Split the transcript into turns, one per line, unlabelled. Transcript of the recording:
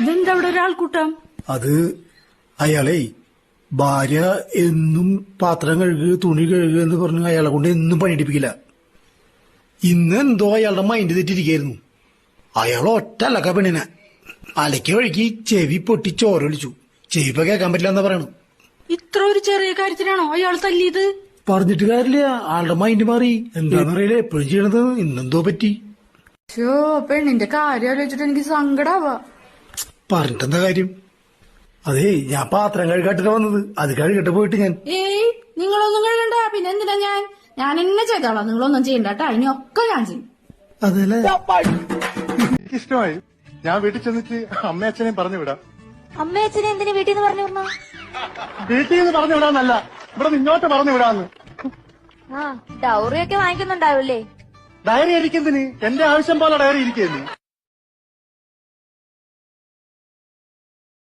ഇതെന്താ അവിടെ ഒരാൾക്കൂട്ടം?
അത് അയാളെ ഭാര്യ എന്നും പാത്രം കഴുകുക തുണി കഴുകുക എന്ന് പറഞ്ഞ് അയാളെ കൊണ്ട് എന്നും പണിയെടുപ്പിക്കില്ല. ഇന്ന് എന്തോ അയാളുടെ മൈൻഡ് തെറ്റിരിക്കായിരുന്നു. അയാൾ ഒറ്റ അലക്ക പെണ്ണിനെ അലക്കി വഴിക്ക് ചെവി പൊട്ടി ചോരൊലിച്ചു. ചെവി ഇപ്പൊ കേൾക്കാൻ പറ്റില്ല എന്നാ പറയണു.
ഇത്ര ഒരു ചെറിയ കാര്യത്തിനാണോ അയാൾ തല്ലിയത്?
പറഞ്ഞിട്ട് കാര്യമില്ല, ആളുടെ മൈൻഡ് മാറി. എന്താന്നറിയില്ല, എപ്പോഴും ചെയ്യണത്. ഇന്നെന്തോ പറ്റി.
പെണ്ണിന്റെ കാര്യം ആലോചിച്ചിട്ട് എനിക്ക് സങ്കടാവാ.
പറഞ്ഞിട്ടെന്താ കാര്യം? അതേ, ഞാൻ പാത്രം കഴുകാട്ടിട്ട് വന്നത്. അത് കഴുകട്ടെ പോയിട്ട് ഞാൻ.
ഏയ്, നിങ്ങളൊന്നും കഴുകണ്ട. പിന്നെ എന്തിനാ ഞാൻ എന്നെ ചെയ്തോളാം. നിങ്ങളൊന്നും ചെയ്യണ്ട. ഇനിയൊക്കെ ഞാൻ ചെയ്യും.
അതല്ലേ
ഇഷ്ടമായി. ഞാൻ വീട്ടിൽ ചെന്നിട്ട് അമ്മയച്ഛനെയും പറഞ്ഞു വിടാം.
അമ്മയച്ഛനെ എന്തിനു വീട്ടിൽ നിന്ന് പറഞ്ഞു വിടണോ?
വീട്ടിൽ നിന്ന് പറഞ്ഞു വിടാന്നല്ല, ഇവിടെ ഇങ്ങോട്ട് പറഞ്ഞു വിടാന്ന്.
ഡൗറി ഒക്കെ വാങ്ങിക്കുന്നുണ്ടാവില്ലേ?
ഡയറി ഇരിക്കുന്നതിന് എന്റെ ആവശ്യം പോലെ ഡയറി ഇരിക്കുന്നു.